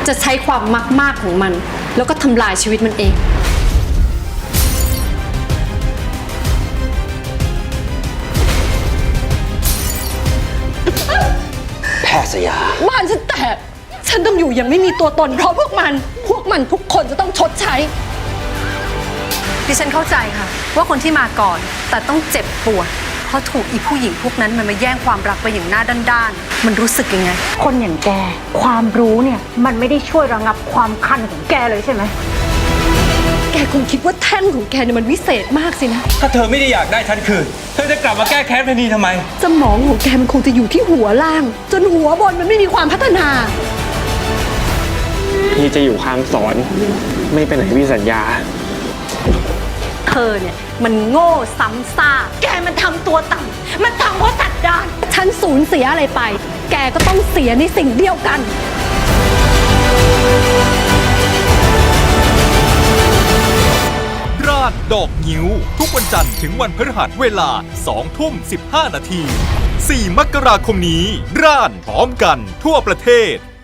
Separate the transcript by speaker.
Speaker 1: จะใช้ความมากๆของมันแล้วก็ทำลายชีวิตมันเอง
Speaker 2: แพทย์สยา
Speaker 1: บ้านฉันแตกฉันต้องอยู่ยังไม่มีตัวตนเพราะพวกมันทุกคนจะต้องชดใช้ดิฉันเข้าใจค่ะว่าคนที่มาก่อนแต่ต้องเจ็บปวดเพราะถูกอีผู้หญิงพวกนั้นมันมาแย่งความรักไปอย่างหน้าด้านๆมันรู้สึกยังไง
Speaker 3: คนอย่างแกความรู้เนี่ยมันไม่ได้ช่วยระงับความคันของแกเลยใช่ไหม
Speaker 1: แกคงคิดว่าแท่นของแกเนี่ยมันวิเศษมากสินะ
Speaker 4: ถ้าเธอไม่ได้อยากได้ฉันคืนเธอจะกลับมาแก้แค้นเพนีทำไม
Speaker 1: สมองของแกมันคงจะอยู่ที่หัวล่างจนหัวบนมันไม่มีความพัฒนา
Speaker 5: พี่จะอยู่ข้างสอนไม่ไปไหนพี่สัญญา
Speaker 1: เธอเนี่ยมันโง่ซ้ำซ่าแกมันทำตัวต่ำมันทำเพราะสัตว์ดานฉันสูญเสียอะไรไปแกก็ต้องเสียในสิ่งเดียวกัน
Speaker 6: ราดดอกงิ้วทุกวันจันทร์ถึงวันพฤหัสเวลา 20:15 นาที 4 มกราคมนี้ร่านพร้อมกันทั่วประเทศ